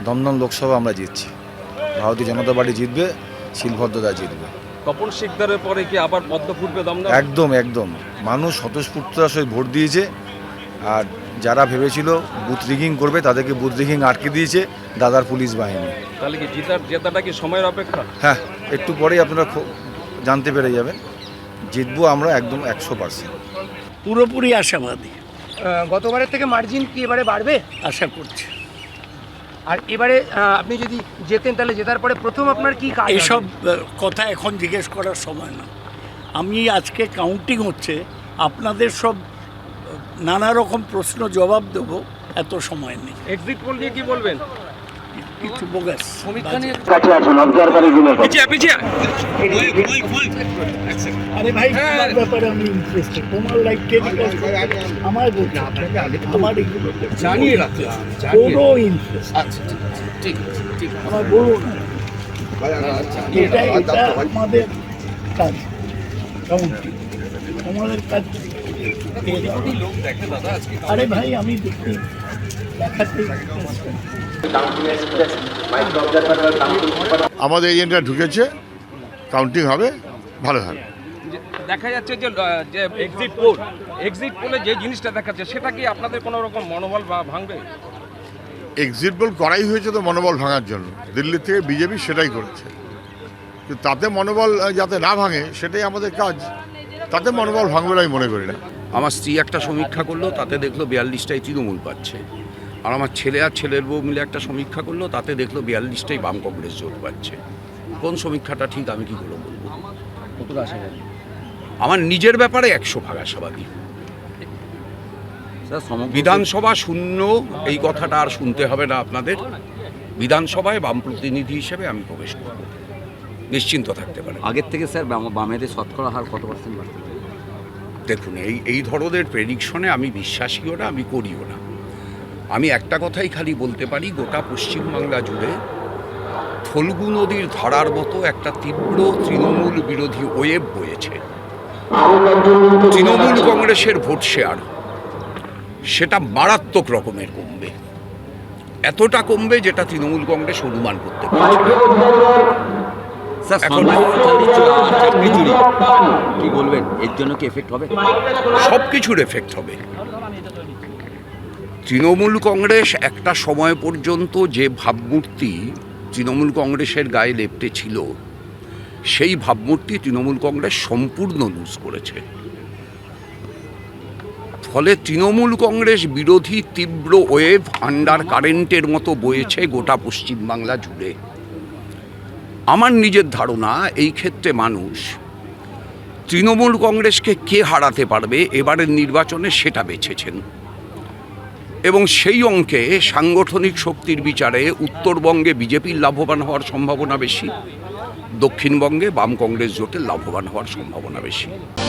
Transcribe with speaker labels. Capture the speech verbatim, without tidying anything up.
Speaker 1: দমদম লোকসভা আমরা জিতছি, ভারতীয় জনতা পার্টি জিতবে, শিলভদ্রদা জিতবে।
Speaker 2: তপন শিকদারের পরে কি আবার পদ্ম ফুটবে দমদম?
Speaker 1: একদম একদম, মানুষ স্বতঃস্ফূর্ততার সহিত ভোট দিয়েছে। আর যারা ভেবেছিল বুথ রিগিং করবে তাদেরকে বুথ রিগিং আটকে দিয়েছে দাদার পুলিশ বাহিনী।
Speaker 2: তাহলে কি জেতার জেতাটা কি সময়ের অপেক্ষা?
Speaker 1: হ্যাঁ, একটু পরেই আপনারা জানতে পেরে যাবেন। জিতবো আমরা একদম একশো পার্সেন্ট,
Speaker 3: পুরোপুরি আশাবাদী।
Speaker 4: গতবারের থেকে মার্জিন কি এবারে বাড়বে
Speaker 3: আশা করছি।
Speaker 4: আর এবারে আপনি যদি জেতেন তাহলে জেতার পরে প্রথম আপনার কি কাজ?
Speaker 3: এইসব কথা এখন জিজ্ঞেস করার সময় না। আমি আজকে কাউন্টিং হচ্ছে, আপনাদের সব নানা রকম প্রশ্ন জবাব দেবো, এত সময় নেই।
Speaker 2: এক্সিট পোল নিয়ে কি বলবেন?
Speaker 3: কিছু বোগাস
Speaker 2: সমীক্ষা নিয়ে
Speaker 3: আরে ভাই, তোমার ব্যাপারে আমি ইন্টারেস্টেড। তোমার লাইফ টেলিকাস্ট আমার বলতে আমার এগুলো
Speaker 2: জানিয়ে রাখতে
Speaker 3: কোনো ইন্টারেস্ট।
Speaker 2: আচ্ছা ঠিক ঠিক
Speaker 3: আমার বলুন, এটা এটা আমাদের কাজ, কাউন্টিং আমাদের কাজ।
Speaker 2: লোক দেখে দাদা আজকে।
Speaker 3: আরে ভাই, আমি দেখি দেখাতে
Speaker 5: আমাদের এজেন্টরা ঢুকেছে, কাউন্টিং হবে, ভালো হবে।
Speaker 2: দেখা যাচ্ছে যে যে এক্সিট পোল এক্সিট পোলে যে জিনিসটা দেখাচ্ছে সেটা কি আপনাদের কোনো রকম মনোবল ভাঙবে?
Speaker 5: এক্সিট পোল করাই হয়েছে তো মনোবল ভাঙার জন্য। দিল্লি থেকে বিজেপি সেটাই করেছে, কিন্তু তাতে মনোবল যাতে না ভাঙে সেটাই আমাদের কাজ। তাতে মনোবল ভাঙবে আমি মনে করি না।
Speaker 6: আমার স্ত্রী একটা সমীক্ষা করলো, তাতে দেখলো বিয়াল্লিশটাই তৃণমূল পাচ্ছে। আর আমার ছেলে আর ছেলের বউ মিলে একটা সমীক্ষা করলো, তাতে দেখলো বিয়াল্লিশটাই বাম কংগ্রেস জোট পাচ্ছে। কোন সমীক্ষাটা ঠিক আমি কি করে বলবো?
Speaker 2: কতটা আশাবাদী?
Speaker 6: আমার নিজের ব্যাপারে একশো ভাগ আশাবাদী। বিধানসভা শূন্য এই কথাটা আর শুনতে হবে না আপনাদের। বিধানসভায় বাম প্রতিনিধি হিসেবে আমি প্রবেশ করব, নিশ্চিন্ত থাকতে পারেন।
Speaker 7: আগের থেকে স্যার বামেদের শতকরা হার কত পার্সেন্ট বাড়বে?
Speaker 6: দেখুন, এই এই ধরনের প্রেডিকশনে আমি বিশ্বাসীও না, আমি করিও না। আমি একটা কথাই খালি বলতে পারি, গোটা পশ্চিমবাংলা জুড়ে ফল্গু নদীর ধারার মতো একটা তীব্র তৃণমূল বিরোধী ওয়েভ বয়েছে। তৃণমূল কংগ্রেসের ভোট শেয়ার সেটা মারাত্মক রকমের কমবে, এতটা কমবে যেটা তৃণমূল কংগ্রেস অনুমান করতে পারছে।
Speaker 7: এখন কি বলবেন, এর জন্য কি এফেক্ট হবে?
Speaker 6: সব কিছুর এফেক্ট হবে। তৃণমূল কংগ্রেস একটা সময় পর্যন্ত যে ভাবমূর্তি তৃণমূল কংগ্রেসের গায়ে লেপ্টে ছিল, সেই ভাবমূর্তি তৃণমূল কংগ্রেস সম্পূর্ণ লুজ করেছে। ফলে তৃণমূল কংগ্রেস বিরোধী তীব্র ওয়েভ আন্ডার কারেন্টের মতো বয়েছে গোটা পশ্চিমবাংলা জুড়ে। আমার নিজের ধারণা, এই ক্ষেত্রে মানুষ তৃণমূল কংগ্রেসকে কে হারাতে পারবে এবারের নির্বাচনে সেটা বেছেছেন, এবং সেই অঙ্কে সাংগঠনিক শক্তির বিচারে উত্তরবঙ্গে বিজেপির লাভবান হওয়ার সম্ভাবনা বেশি, দক্ষিণবঙ্গে বাম কংগ্রেস জোটের লাভবান হওয়ার সম্ভাবনা বেশি।